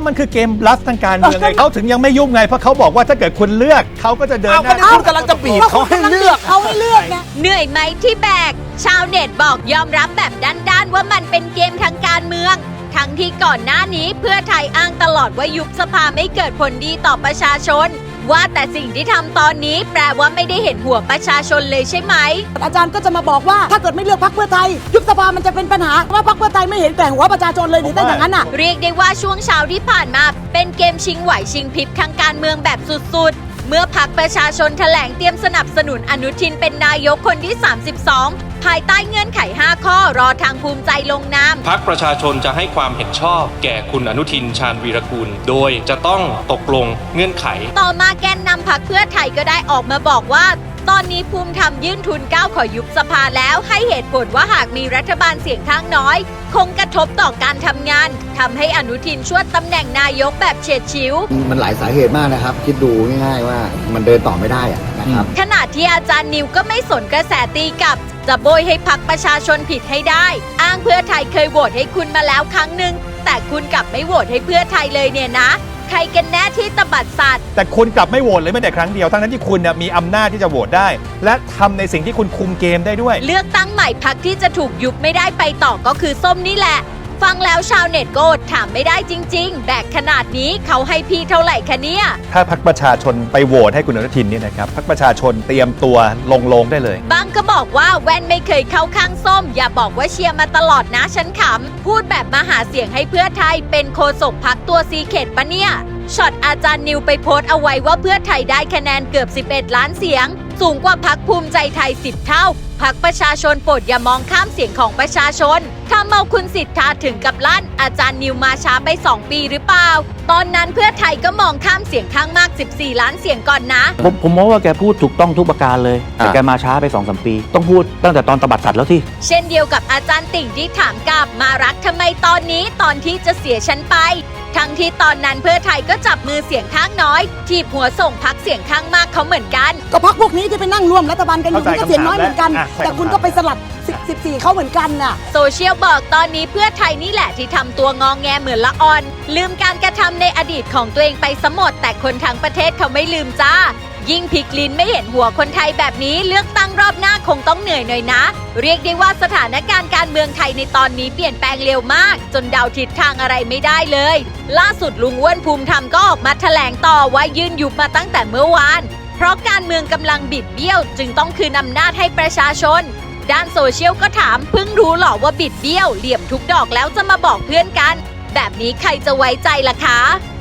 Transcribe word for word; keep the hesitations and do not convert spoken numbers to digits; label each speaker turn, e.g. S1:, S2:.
S1: มันคือเกมบลัฟทางการเมืองไงเขาถึงยังไม่ยุ่งไงเพราะเขาบอกว่าถ้าเกิดคุณเลือกเขาก็จะเดินหน้า
S2: คุณกำลังจะบีบเขาให้เลือก
S3: เขาให้เลือกไง
S4: เหนื่อยไหมที่แบกชาวเน็ตบอกยอมรับแบบด้านๆว่ามันเป็นเกมทางการเมืองทั้งที่ก่อนหน้านี้เพื่อไทยอ้างตลอดว่ายุบสภาไม่เกิดผลดีต่อประชาชนว่าแต่สิ่งที่ทำตอนนี้แปลว่าไม่ได้เห็นหัวประชาชนเลยใช่ไหม
S3: อาจารย์ก็จะมาบอกว่าถ้าเกิดไม่เลือกพรรคเพื่อไทยยุบสภามันจะเป็นปัญหาว่าพรรคเพื่อไทยไม่เห็นแต่หัวประชาชนเลยหรือแต่อย่างนั้นอ่ะ
S4: เรียกได้ว่าช่วงเช้าที่ผ่านมาเป็นเกมชิงไหวชิงพริบทางการเมืองแบบสุดๆเมื่อพรรคประชาชนแถลงเตรียมสนับสนุนอนุทินเป็นนายกคนที่สามสิบสองภายใต้เงื่อนไขห้าข้อรอทางภูมิใจลงนาม
S5: พรรคประชาชนจะให้ความเห็นชอบแก่คุณอนุทินชาญวีรกูลโดยจะต้องตกลงเงื่อนไข
S4: ต่อมาแกนนำพรรคเพื่อไทยก็ได้ออกมาบอกว่าตอนนี้ภูมิธรรมยื่นทุนเก้าขอยุบสภาแล้วให้เหตุผลว่าหากมีรัฐบาลเสียงข้างน้อยคงกระทบต่อการทำงานทำให้อนุทินชวดตำแหน่งนายกแบบเฉียดฉิว
S6: มันหลายสาเหตุมากนะครับคิดดูง่ายๆว่ามันเดินต่อไม่ได้อะนะครับ
S4: ขณะที่อาจารย์นิวก็ไม่สนกระแสตีกลับจะโบยให้พรรคประชาชนผิดให้ได้อ้างเพื่อไทยเคยโหวตให้คุณมาแล้วครั้งหนึ่งแต่คุณกลับไม่โหวตให้เพื่อไทยเลยเนี่ยนะใครกันแน่ที่ตบัดสัตว์
S1: แต่คุณกลับไม่โหวตเลยแม้แต่ครั้งเดียวทั้งนั้นที่คุณมีอำนาจที่จะโหวตได้และทำในสิ่งที่คุณคุมเกมได้ด้วย
S4: เลือกตั้งใหม่พรรคที่จะถูกยุบไม่ได้ไปต่อก็คือส้มนี่แหละฟังแล้วชาวเน็ตโกรธถามไม่ได้จริงๆแบกขนาดนี้เขาให้พี่เท่าไหร่คะเนี่ย
S1: ถ้าพรรคประชาชนไปโหวตให้คุณอนุทินเนี่ยนะครับพรรคประชาชนเตรียมตัวลงโลงได้เลย
S4: บางก็บอกว่าแว่นไม่เคยเข้าข้างส้มอย่าบอกว่าเชียร์มาตลอดนะฉันขำพูดแบบมาหาเสียงให้เพื่อไทยเป็นโฆษกพรรคตัวซีเขตปะเนี่ยช็อตอาจารย์นิวไปโพสต์เอาไว้ว่าเพื่อไทยได้คะแนนเกือบสิบเอ็ดล้านเสียงสูงกว่าพรรคภูมิใจไทยสิบเท่าพรรคประชาชนโปรดอย่ามองข้ามเสียงของประชาชนถ้าเมาคุณสิทธาถึงกับลั่นอาจารย์นิวมาช้าไปสองปีหรือเปล่าตอนนั้นเพื่อไทยก็มองข้ามเสียงข้างมากสิบสี่ล้านเสียงก่อนนะ
S2: ผมผมมองว่าแกพูดถูกต้องทุกประการเลยแต่แกมาช้าไป สองสาม ปีต้องพูดตั้งแต่ตอนตบัดสัตว์แล้วที่
S4: เช่นเดียวกับอาจารย์ติ่งที่ถามกลับมารักทำไมตอนนี้ตอนที่จะเสียฉันไปทั้งที่ตอนนั้นเพื่อไทยก็จับมือเสียงข้างน้อยทีบหัวส่งพรรคเสียงข้างมากเขาเหมือนกัน
S3: ก็พรรคพวกนี้ที่ไปนั่งร่วมรัฐบาลกันอยู่ก็เสียงน้อยเหมือนกันแต่คุณก็ไปสลัดสิบสี่เขาเหมือนกันน่ะ
S4: โซเชียลบอกตอนนี้เพื่อไทยนี่แหละที่ทำตัวงองแงเหมือนละอ่อนลืมการกระทำในอดีตของตัวเองไปซะหมดแต่คนทั้งประเทศเขาไม่ลืมจ้ายิ่งพลิกลิ้นไม่เห็นหัวคนไทยแบบนี้เลือกตั้งรอบหน้าคงต้องเหนื่อยหน่อยนะเรียกได้ว่าสถานการณ์การเมืองไทยในตอนนี้เปลี่ยนแปลงเร็วมากจนเดาทิศทางอะไรไม่ได้เลยล่าสุดลุงอ้วนภูมิธรรมก็ออกมาแถลงต่อว่ายื่นยุบมาตั้งแต่เมื่อวานเพราะการเมืองกำลังบิดเบี้ยวจึงต้องคืนอำนาจให้ประชาชนด้านโซเชียลก็ถามเพิ่งรู้หรอว่าบิดเบี้ยวเหลี่ยมทุกดอกแล้วจะมาบอกเพื่อนกันแบบนี้ใครจะไว้ใจล่ะคะ